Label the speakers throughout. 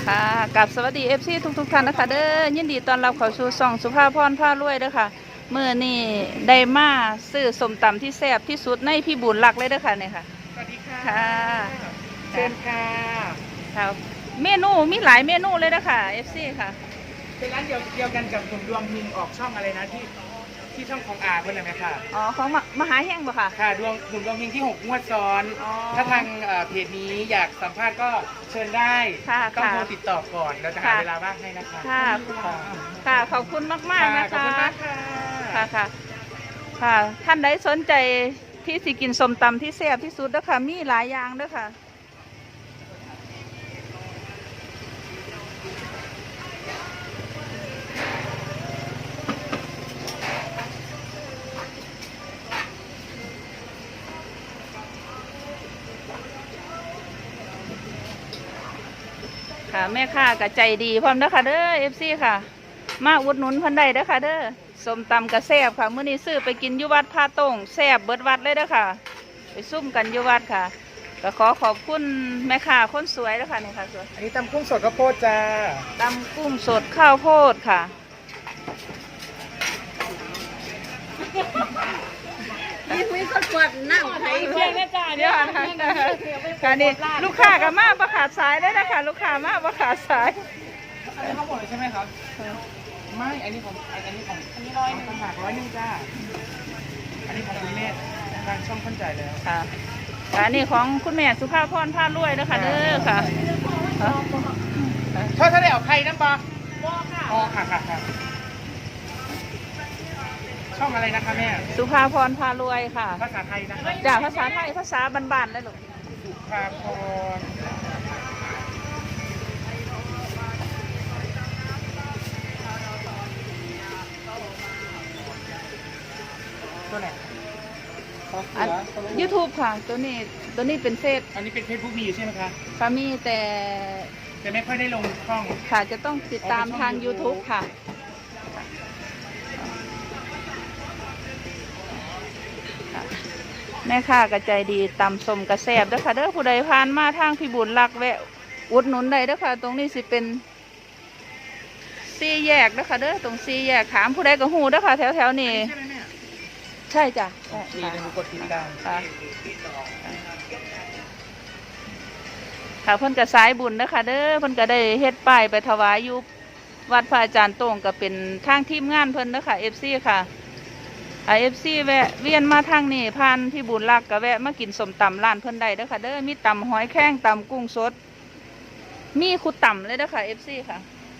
Speaker 1: ค่ะกับสวัสดีFC ทุกท่านนะคะเด้อยินดีต้อนรับเข้าสู่ช่องสุภาพรพารวยเด้อค่ะเมื่อนี่ได้มาซื้อส้มตำที่แซ่บที่สุดในพี่บุญรักเลยเด้อค่ะเนี่ยค่ะ
Speaker 2: สวัสดีค่ะ
Speaker 1: ค่ะ
Speaker 2: เชิญค่ะ
Speaker 1: ครับเมนูมีหลายเมนูเลยเด้อค่ะ FC ค่ะ
Speaker 2: เป็นร้านเดียวกันกับกลุ่มดวงพิมพ์ออกช่องอะไรนะที่ช่องของอาเพื่อนเลยไหมคะ
Speaker 1: อ๋อของมหาแห้งบ่ค่ะ
Speaker 2: ค่ะกลุ่มดวงพิมพ์ที่6 งวดซ้อน ถ้าทางเพจนี้อยากสัมภาษณ์ก็เชิญได้ต้องโทรติดต่อก่อนเราจะหาเวลาว่างให้นะคะ
Speaker 1: ค่ะค่ะขอบคุณมากๆนะคะ
Speaker 2: ขอบคุณมากค่ะ
Speaker 1: ค่ะค่ะท่านใดสนใจที่สิกินส้มตำที่แซ่บที่สุดเด้อค่ะมีหลายอย่างเด้อค่ะค่ะแม่ค้าก็ใจดีพร้อมเด้อค่ะเด้อ FC ค่ะมาอุดหนุนเพิ่นได้เด้อค่ะเด้อส้มตำกระแซ่บค่ะมื้อนี้ซื้อไปกินอยู่วัดพาตงแซ่บเบิดวัดเลยเด้อค่ะไปซุ่มกันอยู่วัดค่ะก็ขอขอบคุณแม่ค้าคนสวยเด้อค่ะนี่ค่ะสวย
Speaker 2: อันนี้ตำกุ้งสดข้าวโพดจ้า
Speaker 1: ตำกุ้งสดข้าวโพดค่ะ
Speaker 3: นี่คุยคนปวดนั่งไทย
Speaker 1: เพื่อนแม่จ่าเดี๋ยวค่ะนี่ลูกค้าก็มาประขาดสายได้นะคะลูกค้ามาประขาดสาย
Speaker 2: อันนี้ข้าวโพดเลยใช่ไหมครับไม่อันนี้100ต่างหาก100จ้าอันนี้ของคุณแม่ทางช่องขั้นใจแล้ว
Speaker 1: ค่ะอันนี้ของคุณแม่สุภาพรพารวยนะคะเด้อค่ะ
Speaker 2: ถ้าได้เอาใครนั่นปะอ๋อค่ะช่องอะไรนะคะแม่
Speaker 1: สุภาพรพารวยค่ะ
Speaker 2: ภาษาไทยนะคะ
Speaker 1: จากภาษาไทยภาษาบ้านๆเลยลูก
Speaker 2: สุภาพรตัวไหน
Speaker 1: YouTube ค่ะตัวนี้เป็นเฟซ
Speaker 2: อันนี้เป็นเฟซบุ๊กมีอยู่ใช่ไหมคะ
Speaker 1: ค่ะมีแต่
Speaker 2: ไม่ค่อยได้ลงช่อง
Speaker 1: ค่ะจะต้องติดตามทาง YouTube ค่ะแม่ค้ากระใจดีตำส้มกระแซบเด้อค่ะเด้อผู้ใดผ่านมาทางพี่บุญรักแวะอุดหนุนได้เด้อค่ะตรงนี้สิเป็น4 แยกเด้อค่ะเด้อตรง4 แยกถามผู้ใดก็ฮู้เด้อค่ะแถวนี้ใช่จ้ะ
Speaker 2: ดีนะกดติดตาม
Speaker 1: ค่ะค่ะเพิ่นก็สายบุญเด้อค่ะเด้อเพิ่นก็ได้เฮ็ดป้ายไปถวายอยู่วัดพระอาจารย์โต้งก็เป็นทางทีมงานเพิ่นเด้อค่ะ FC ค่ะFC แวะเวียนมาทางนี้ผ่านพี่บุญรักก็แวะมากินส้มตำร้านเพิ่นได้เด้อค่ะเด้อมีตำหอยแครงตำกุ้งสดมีคุดตำเลยเด้อค่ะ FC ค่ะ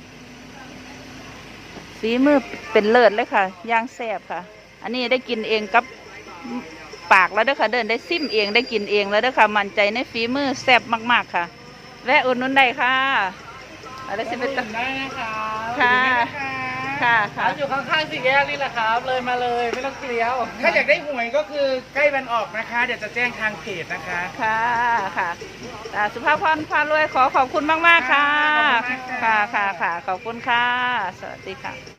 Speaker 1: ฝีมือเป็นเลิศเลยค่ะย่างแซ่บค่ะอันนี้ได้กินเองกับปากแล้วเด้อค่ะเดินได้ซิมเองได้กินเองแล้วเด้อค่ะมั่นใจในฝีมือแซ่บมากๆค่ะแวะอุดหนุนได้ค่ะอะไรสิเป็น
Speaker 2: ได้นะคะ
Speaker 1: ค่ะ
Speaker 2: อยู่ข้างๆ4 แยกนี่แหละครับเลยมาเลยไม่ต้องเกลี้ยวถ้าอยากได้หวยก็คือใกล้วันออกนะคะเดี๋ยวจะแจ้งทางเพจนะคะ
Speaker 1: ค่ะสุภาพรพารวยขอบคุณมากๆค่ะค่ะขอบคุณค่ะสวัสดีค่ะ